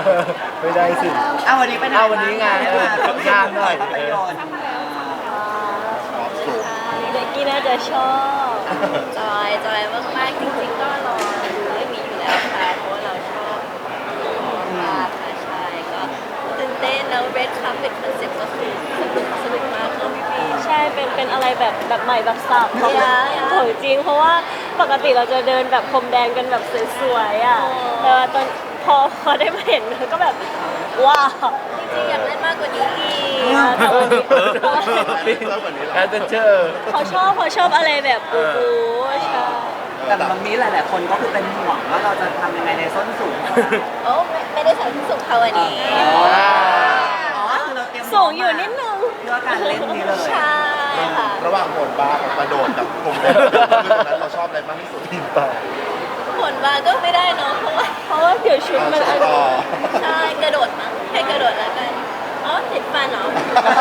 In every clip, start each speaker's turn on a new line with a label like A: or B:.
A: ไม่ได้สิ
B: วันนี้ไปไหน
A: วันนี้ไงงานหน่อย
B: ภาพยนตร์
C: เด็กกี้น่าจะชอบจอยมากๆจริงๆก็รอดูเรื่องนี้อยู่แล้วค่ะเพราะว่าเราชอบมากค่ะใช่ก็ตื่นเต้นแล้วเรดคัพเป็นคอนเซ็ปต์ก็คือสนุกมากเลยพี่ใช่เป็นอะไรแบบใหม่แบบสับของจริงเพราะว่าปกติเราจะเดินแบบพรมแดงกันแบบสวยๆอ่ะแต่ว่าตอนพอได้มาเห็นก็แบบว้าวจริงๆอยากเล่นมากกว่านี้อีก
A: แอดเวนเจอร์
C: เขาชอบอะไรแบบโอ้โหใช่
B: แต่มันมีหลายๆคนก็คือเป็นห่วงว่าเราจะทำยังไงในส้นสูง
C: โอ้ไม่ได้ใส่ส้นสูงเขาวันนี้สูงอยู่นิดนึง
B: เพื่อการเล่นนี้เลย
C: ใช่ค่ะ
D: ระหว่างโหนบาร์กับกระโดดกับพรมแดงนั้นเราชอบอะไรมากที่สุด
A: ทีมป่า
C: โหนบาร์ก็ไม่ได้เนาะเพราะว่าเดี๋ยวชุดมันใช่กระโดดมั้งแค่กระโดดแล้วกันติดฟันเหรอ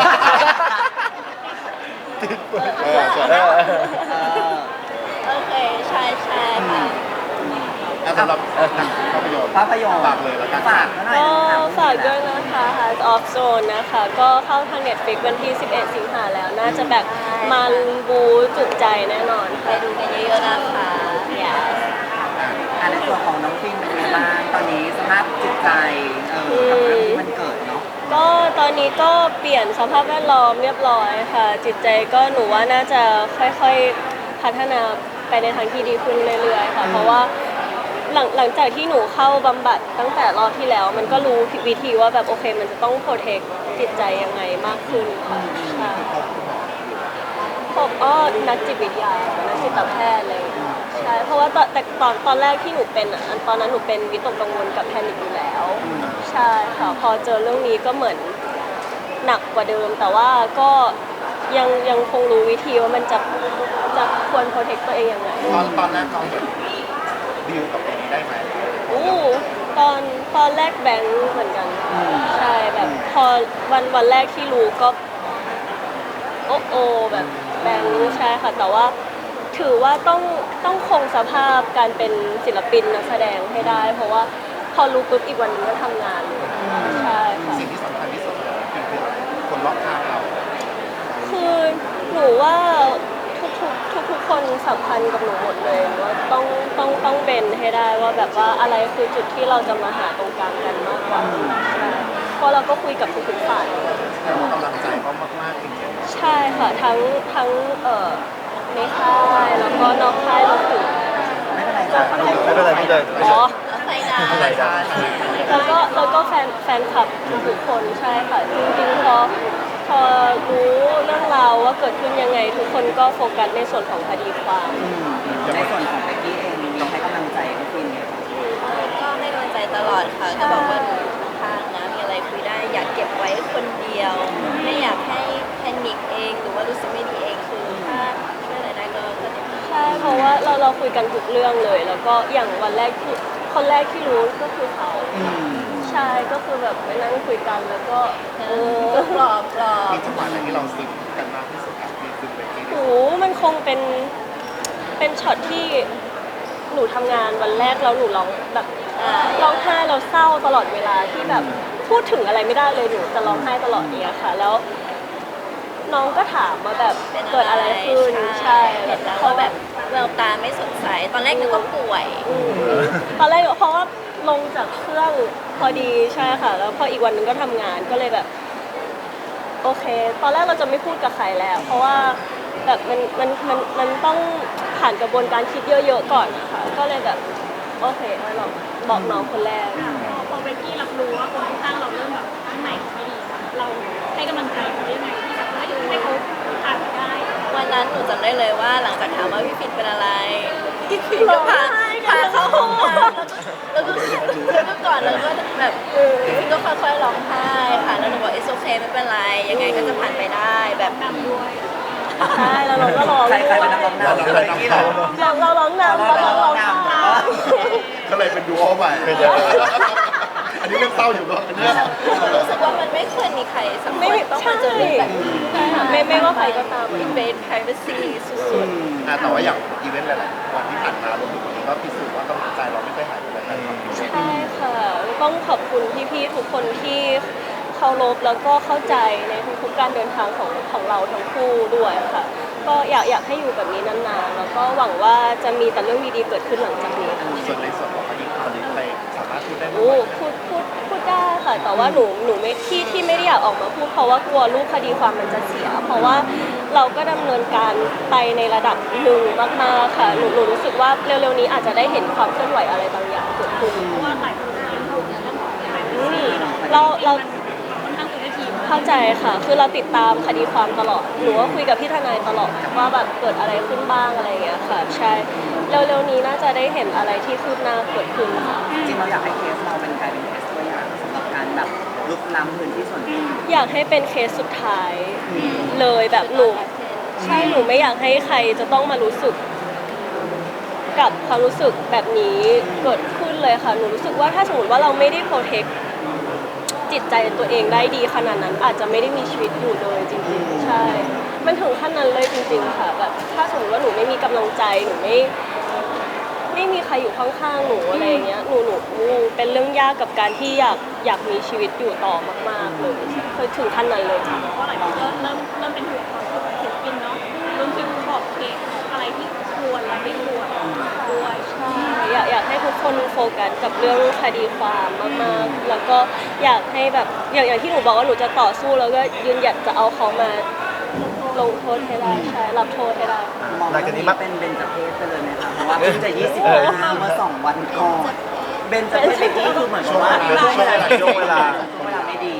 C: โอเคใช่ค่ะ
D: สำหรับภาพยนตร์ฝากเลยแล้วกัน
C: ก็ฝากด้วยนะคะ Heart of Zone นะคะก็เข้าทาง Netflix วันที่ 11 สิงหาแล้วน่าจะแบบมันบูจุดใจแน่นอนไปดูกันเยอะๆนะคะ
B: ในส่วนของน้องฟิล์มเป็นยังไงบ้างตอนนี้สภาพจิตใจกับเรื่องที่มันเกิดเนาะ
C: ก็ตอนนี้ก็เปลี่ยนสภาพแวดล้อมเรียบร้อยค่ะจิตใจก็หนูว่าน่าจะค่อยๆพัฒนาไปในทางที่ดีขึ้นเรื่อยๆค่ะเพราะว่าหลังจากที่หนูเข้าบำบัดตั้งแต่รอบที่แล้วมันก็รู้วิธีว่าแบบโอเคมันจะต้องโปรเทคจิตใจยังไงมากขึ้นค่ะใช่ผมนักจิตวิทยานักจิตแพทย์เลยใช่เพราะว่าตอนแรกที่หนูเป็นตอนนั้นหนูเป็นวิตกกังวลกับแพนิคอยู่แล้วใช่ค่ะพอเจอเรื่องนี้ก็เหมือนหนักกว่าเดิมแต่ว่าก็ยังคงรู้วิธีว่ามันจะควรโปรเทคตัวเองยังไง
D: ตอนแรกน้องดีลกับตรงนี้ได้ไหม
C: ตอนแรกแบงค์เหมือนกันใช่แบบพอวันแรกที่รู้ก็โอ้แบบแบงค์ใช่ค่ะแต่ว่าถือว่าต้องคงสภาพการเป็นศิลปินนักแสดงให้ได้เพราะว่าพอรู้ปุ๊บอีกวันนึงก็ทำงานใช่ค่ะ
D: สิ่งที่สำคัญที่สุดคือคนรอบข้างเรา
C: คือหนูว่าทุกคนสำคัญกับหนูหมดเลยว่าต้องเบนให้ได้ว่าแบบว่าอะไรคือจุดที่เราจะมาหาตรงกลางกันมากกว่าใช่เพราะเราก็คุยกับทุกฝ่าย
D: กำลังใจเขามากๆจริง
C: ๆใช่ค่ะทั้งในค่ายแล้วก็นอกค่ายรวมถึง
B: ไม่เป็นไร
C: อ๋อใส่งานแล้วก็แฟนคลับทุกคนใช่ค่ะจริงๆพอรู้เรื่องราวว่าเกิดขึ้นยังไงทุกคนก็โฟกัสในส่วนของคดีความ
B: ในส่วนของเบกกี้เองมีให้กำลังใจกับฟิล์ม
C: ก็ให้กำลังใจตลอดค่ะก็บอกว่าทางนะมีอะไรคุยได้อยากเก็บไว้คนเดียวไม่อยากให้แพนิคเองหรือว่ารู้สึกไม่ดีเองคือถ้าช่วยอะไรได้ก็ใช่เพราะว่าเราคุยกันทุกเรื่องเลยแล้วก็อย่างคนแรกที่รู้ก็คือเขาใช่ก็คือแบบไปนั่งคุยกันแล้วก็ปลอบ
D: มีจังหวะไหนที่เราซึ้งกันมากที่สุดครับมีซึ้งไปที่
C: โอ้มันคงเป็นช็อตที่หนูทำงานวันแรกแล้วหนูร้องแบบร้องไห้เราเศร้าตลอดเวลาที่แบบพูดถึงอะไรไม่ได้เลยหนูจะร้องไห้ตลอดเนี่ยค่ะแล้วน้องก็ถามมาแบบเกิดอะไรขึ้นใช่เขาแบบแววตาไม่สดใสตอนแรกนึกว่าป่วยตอนแรกเพราะว่าลงจากเครื่องพอดีใช่ค่ะแล้วพออีกวันนึงก็ทำงานก็เลยแบบโอเคตอนแรกเราจะไม่พูดกับใครแล้วเพราะว่าแบบมันต้องผ่านกระบวนการคิดเยอะๆก่อนนะคะก็เลยแบบโอเคเราบอกน้องคนแรก
E: พอเบกกี้รับรู้ว่าคนข้างเราเริ่มแบบข้างในไม่ดีเราให้กำลังใจเขายังไงที่แบบให้เขาผ่านได้
C: วันนั้นหนูจำได้เลยว่าหลังจากถามว่าพี่ฟินเป็นอะไรพี่ฟินก็พาเข้าห้องน้ำแล้วก็ก่อนแล้วก็แบบพี่ฟินก็ค่อยๆร้องไห้ค่ะแล้วหนูบอกit's okayไม่เป็นไรยังไงก็จะผ่านไปได้แบบ
E: นำด้วย
C: ใช่แล้วเราก็ร้อง
B: ใครเป็นนักร้องนำเบกกี้เรา
C: ร้องนำ
D: ก็เลยเป็นดูโอใหม่อันนี้เรื่องเศร้าอยู่ก็อันนี้
F: รู้สึกว่ามันไม่ควรมีใครสักค
C: ไม่
F: นต้องมาเจอเรื่องแบบนี้
C: ใช่ค่ะไม่ว่าใครก็ตาม
F: อินเวส privacy สุด
D: แต่ว่าอย่างอีเวนต์หลายๆวันที่ผ่านมารวมถึงวันนี้ก็พิสูจน์ว่ากำลังใจเราไม่เคยหายไปเลยนะครับ
C: ใช่ค่ะต้องขอบคุณพี่ๆทุกคนที่เคารพแล้วก็เข้าใจในทุกๆการเดินทางของเราทั้งคู่ด้วยค่ะ ก็อยากให้อยู่แบบนี้นานๆแล้วก็หวังว่าจะมีแต่เรื่องดีๆเกิดขึ้นหลังจากนี้ค่ะ
D: ส่วนในส่วนของคดีความนี้ใครสามารถพูดได้ไหม
C: โอ้พูดได้ค่ะ แต่ว่าหนูไม่ที่ไม่ได้อยากออกมาพูดเพราะว่ากลัวรูปคดีความมันจะเสีย เพราะว่าเราก็ดำเนินการไปในระดับหนึ่งมากๆค่ะหนูรู้สึกว่าเร็วๆนี้อาจจะได้เห็นความเคลื่อนไหวอะไรบางอย่างเกิดขึ้น
E: เพราะว่าหลายคนก็ยังพูดเรื่องของอะไร
C: เรา
E: ค่อนข้างเป็นทีม
C: เข้าใจค่ะ คือเราติดตามคดีความตลอด หนูก็คุยกับพี่ทนายตลอดว่าแบบเกิดอะไรขึ้นบ้างอะไรอย่างเงี้ยค่ะ ใช่ เร็วๆนี้น่าจะได้เห็นอะไรที่คืบหน้าเกิดขึ้นค่ะ
B: จริงๆเราอยากให้เคสเราเป็นกลายเป็นเคสตัวอย่างสำหรับการแบบลุกล้ำพื้นที่ส่วนตัว
C: อยากให้เป็นเคสสุดท้ายเลยแบบหนูใช่หนูไม่อยากให้ใครจะต้องมารู้สึกกับความรู้สึกแบบนี้เกิดขึ้นเลยค่ะ หนูรู้สึกว่าถ้าสมมติว่าเราไม่ได้โปรเทคจิตใจตัวเองได้ดีขนาดนั้น อาจจะไม่ได้มีชีวิตอยู่เลยจริงๆใช่ มันถึงขั้นนั้นเลยจริงๆค่ะแบบถ้าสมมติว่าหนูไม่มีกำลังใจหนูไม่มีใครอยู่ข้างๆหนูอะไรอย่างเงี้ยหนูเป็นเรื่องยากกับการที่อยากมีชีวิตอยู่ต่อมากๆเลยเคยถึงขั้นนั้นเลยค่ะ
E: เพราะหลายคนก็เริ่มเป็นห่วงความสุขศิลปินเนาะรวมถึงขอบเขตอะไรที่ควรและไม่ควรด้วย
C: ใช่อยากให้ทุกคนโฟกัสกับเรื่องคดีความมากๆ แล้วก็อยากให้แบบอย่างที่หนูบอกว่าหนูจะต่อสู้แล้วก็ยืนหยัดจะเอาเขามาลงโทษให้ได้ใช่รับโทษให้ได้
B: มองเรื่องนี้เป็นเบญจเพศไปเลยไหมคะเพราะว่าเพิ่งจะ25เมื่อ2 วันก่อนเบญจเพศเบกกี้คือเหมือนกับว่าช่วงเวลาไม่ดี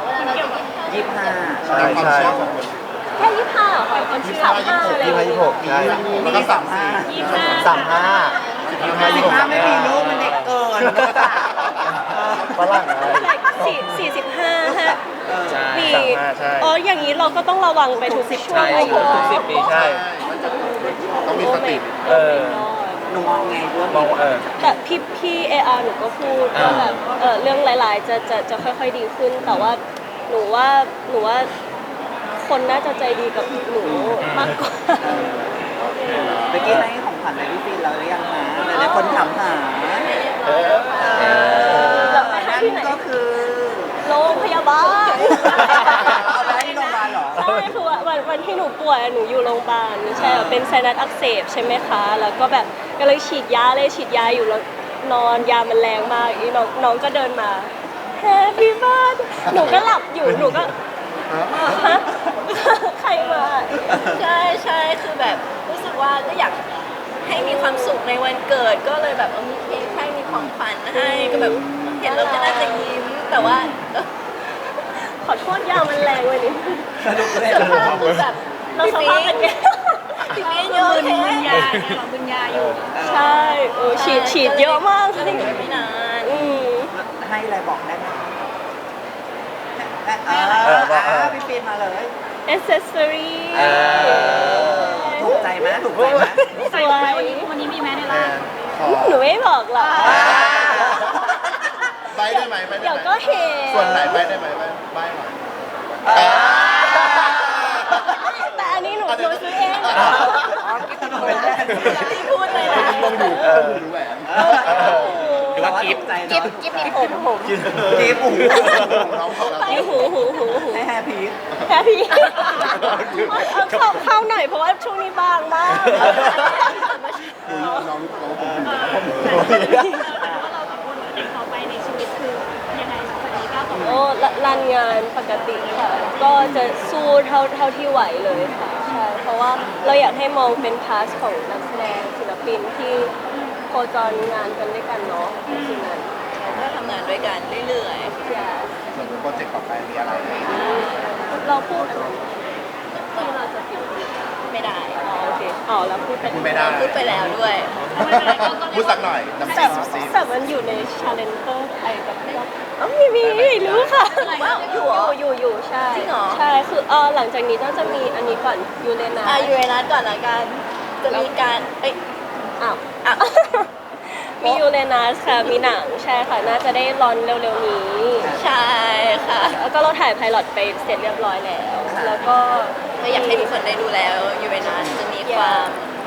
B: 25
D: ใช่ใช่
C: แค่25เหรอค่ะมันที่35อะไรอย่างเงี้ย
A: 26ใช่
D: แล้วก็35
B: 35ไม่มีลูกมันเด็กเกิน
A: ฝรั่งอะไร
C: 45ฮะมี
A: 35ใช่
C: อ๋ออย่างนี้เราก็ต้องระวังไปทุกช่วงอายุ
A: ทุก10 ปีใช่
D: ต้องมีสติ
B: หนูมองไงด้วย
A: มองว่า
C: แต่พี่เออาร์หนูก็พูดว่าแบบเรื่องหลายๆจะค่อยๆดีขึ้น แต่ว่าหนูว่าคนน่าจะใจดีกับหนูมากกว่า
B: เบกกี้ให้ของขวัญอะไรพี่ฟินเราหรือยังคะหลายๆคนถามหา
C: แล้วไปให้ที่ไหน
B: นั่นก็คือ
C: โรงพยาบาล
B: เอาไปให้ที่โรงพยาบาลเหรอ
C: ใช่คือวันที่หนูป่วยหนูอยู่โรงพยาบาลใช่เป็นไซนัสอักเสบใช่ไหมคะแล้วก็แบบก็เลยฉีดยาอยู่แล้วนอนยามันแรงมากอีน้องก็เดินมาแฮปปี้บ้านหนูก็หลับอยู่หนูก็ฮะใครมา
F: ใช่คือแบบรู้สึกว่าก็อยากให้มีความสุขในวันเกิดก็เลยแบบมีเค้กให้มีของขวัญให้ก็แบบเห็นแล้วก็น่าจะยิ้มแต่ว่า
C: ขอโทษยามันแรงไปนิด
B: สนุกเลย
F: สภาพคือแบบ
C: เราสภาพเป็นไง
F: พี่ฟินโยน
E: มึน
F: แค่
E: ยาเนี่ยหรอมึนยาอยู่
C: ใช่ฉีดเยอะมาก
F: ก็เลยอยู่ไม่นาน
B: ให้อะไรบอกได้ไหมพี่ฟินมาเลย
C: เอเซสซอรี่
B: ถูกใจไหมถูกใจไหม
E: ใส่ไหมวันนี้มีแม้ในร้าน
C: หนูไม่บอกหรอก
D: ใบได้ไหมใบได้
C: เดี๋ยว
D: ไหม
C: ก็เห็น
D: ส่วนไหนใบได้ไหมใบหน่อย
C: แต่อันนี้หนูซื้อเอง
F: ที่พูดเลยนะ
D: ลองดูดูแหวน
B: หรือว่ากิฟต์
F: กิ๊บมีผม
B: กิฟต์หู
D: น้องเขาแล้ว
C: นี่หู
B: ให้แฮปปี้
C: แค่พี่เอาเข้าหน่อยเพราะว่าช่วงนี้บางมาก
D: น้องเขาผม
E: ว่าเราสองคนเด็กต่อไปในชีวิตคือยังไงสักวันนี้ก้าวต่อไป
C: โอ้รันงานปกติค่ะ ก็จะสู้เท่าที่ไหวเลยค่ะใช่เพราะว่าเราอยากให้มองเป็นพาสของนักแสดงศิลปินที่โคจรงานกันด้วยกันเนาะสิ่งนั้น
F: ก็ทำงานด้วยกันเรื่อย
C: อย่า
D: ส่วนโปรเจกต์ต่อไปมีอะไรไหม
C: เราพูดอะไรที่เราจะปิด
F: ๆไม่ได้
C: อ๋อโอเคอ๋อแล้วพูดไป
D: พูดไม่ได้
F: พูดไปแล้วด้วย
D: พูดสักหน่อยน้ำ
C: แต่
D: ซี
C: แต่มันอยู่ในชาเลนเตอร์ไอกับพี่อ๋อมีรู้ค่ะ
F: ว้าวอยู่เหรอ
C: อยู่ใช่
F: จริงเหรอ
C: ใช่คือหลังจากนี้น่าจะมีอันนี้ก่อนยูเรนัส
F: ยูเรนัสก่อนละกันจะมีการเอ้ย
C: อ้าว
F: อ่ะ
C: มียูเรนัสค่ะ มีหนังใช่ค่ะ น่าจะได้รอนเร็วๆนี้
F: ใช่ค่ะ
C: แล้วก็เราถ่ายไพลอตไปเสร็จเรียบร้อยแล้ว แล้วก็
F: ก็อยากให้ทุกคนได้ดูแล้วยูเรนัสจะมีความ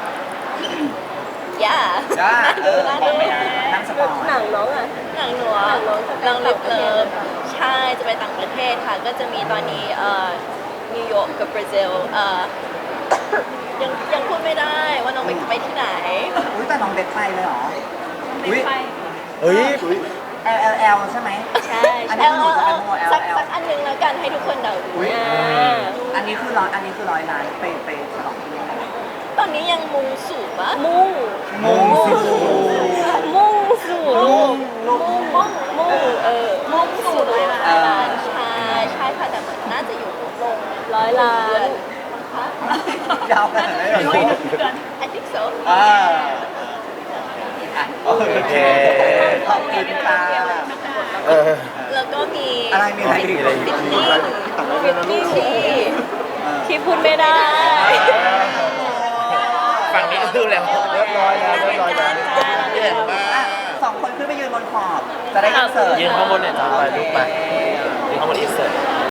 F: ย่า
B: จ้า
F: น่าดู
B: นั่งสปอย
C: หนังน้องอ่ะ
F: หนังหนัว
C: หนังน้องจะไป
F: หนังลิ
C: ต่าง
F: ฟ
C: ประเท
F: เลิ
C: ศ
F: ฟใช่จะไปต่างประเทศค่ะ ก็จะมีตอนนี้นิวยอร์กกับบราซิลยังพูดไม่ได้ว่าน้องไปที่ไหน
B: อุ้ยแต่น้องเบสไปเลยเหรออุ้ย
E: ไป
A: เฮ้ย
B: LLL ใช่ไหม
C: ใช่
B: อัน
C: ใช่
B: นี้คือหนูจะเป็นโม
F: สัก
B: LL
F: อันหนึงแล้วกันให้ทุกคนเดาดู
B: อุ้ย
C: อ่า
B: อันนี้คือร้อยล้านไปฉลองที่นี่
F: ตอนนี้ยังมุงสูงปะ
C: มุ่ง
B: มุ่งสู่
C: มุ่งสู่ลูก
B: ลูก
C: มุ่งมุ่งสู่ร้อย
B: เออ
C: ล้าน
F: ใช่ใช่ค่ะแต่เหมือนน่าจะอยู่ลง
C: ร้อยล้าน
B: ยาวขนาดนั้นเลยเหรอ
F: I think so
B: อ่าโอ
A: โอ
B: เค
A: เค
B: ขอบคุณค่ะ
A: เออ
F: แล้วก็มี
B: อะไรมีอะไรอีก
F: ฟิตติ้ง
C: ฟิตติ้ง
F: ที่
C: ที่พูดไม่ได้
A: ฝั่งนี้ก็คือแล้วเรียบร้อยแล้วเรียบร้อยแล้ว
D: เห็นมา
B: อ่ะสองคนขึ้นไปยืนบนขอบ จะได้อินเสิร์ต
A: ยืนข้างบนเนี่ยจ้าไปลูกไปยืนข้างบนอินเสิร์ต